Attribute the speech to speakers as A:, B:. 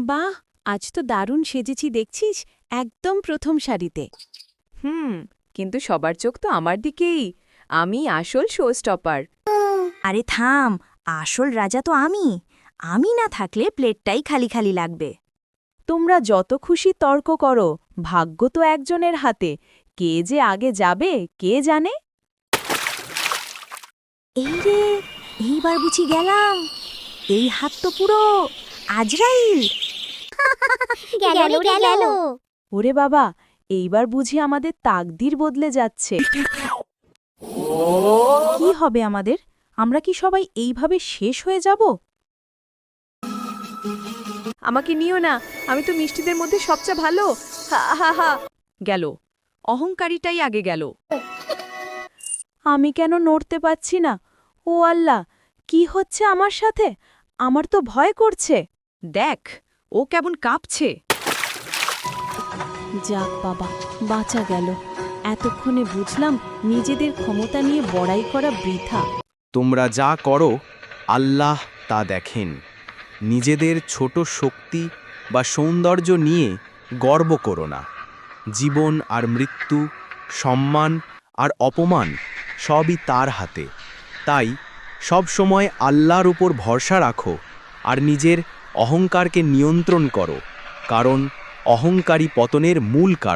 A: বাহ, আজ তো দারুণ সেজেছি দেখছিস, একদম প্রথম সারিতে।
B: কিন্তু সবার চোখ তো আমার দিকেই। আমি আসল শো স্টপার।
C: আরে থাম, আসল রাজা তো আমি। আমি না থাকলে প্লেটটাই খালি খালি লাগবে।
A: তোমরা যত খুশি তর্ক করো, ভাগ্য তো একজনের হাতে। কে যে আগে যাবে কে জানে।
C: এই রে, এইবার বুঝি গেলাম। এই হাত তো পুরো আজরাইল।
D: গেল।
A: ওরে বাবা, এইবার বুঝি আমাদের তাকদির বদলে যাচ্ছে। কি হবে আমাদের? আমরা কি সবাই এইভাবে শেষ হয়ে যাব?
B: আমাকে নিও না, আমি তো মিষ্টিদের মধ্যে সবচেয়ে ভালো। হা হা হা। গেল, অহংকারীটাই আগে গেল।
A: আমি কেন নড়তে পারছি না? ও আল্লাহ, কি হচ্ছে আমার সাথে? আমার তো ভয় করছে।
B: দেখ, ও কেমন কাঁপছে।
A: যাক বাবা, বাঁচা গেল। এতক্ষণে বুঝলাম নিজেদের ক্ষমতা নিয়ে বড়াই করা বৃথা।
E: তোমরা যা করো আল্লাহ তা দেখেন। নিজেদের ছোট শক্তি বা সৌন্দর্য নিয়ে গর্ব করো না। জীবন আর মৃত্যু, সম্মান আর অপমান সবই তার হাতে। তাই সব সময় আল্লাহর উপর ভরসা রাখো আর নিজের অহংকারকে নিয়ন্ত্রণ করো, কারণ অহংকারী পতনের মূল কারণ।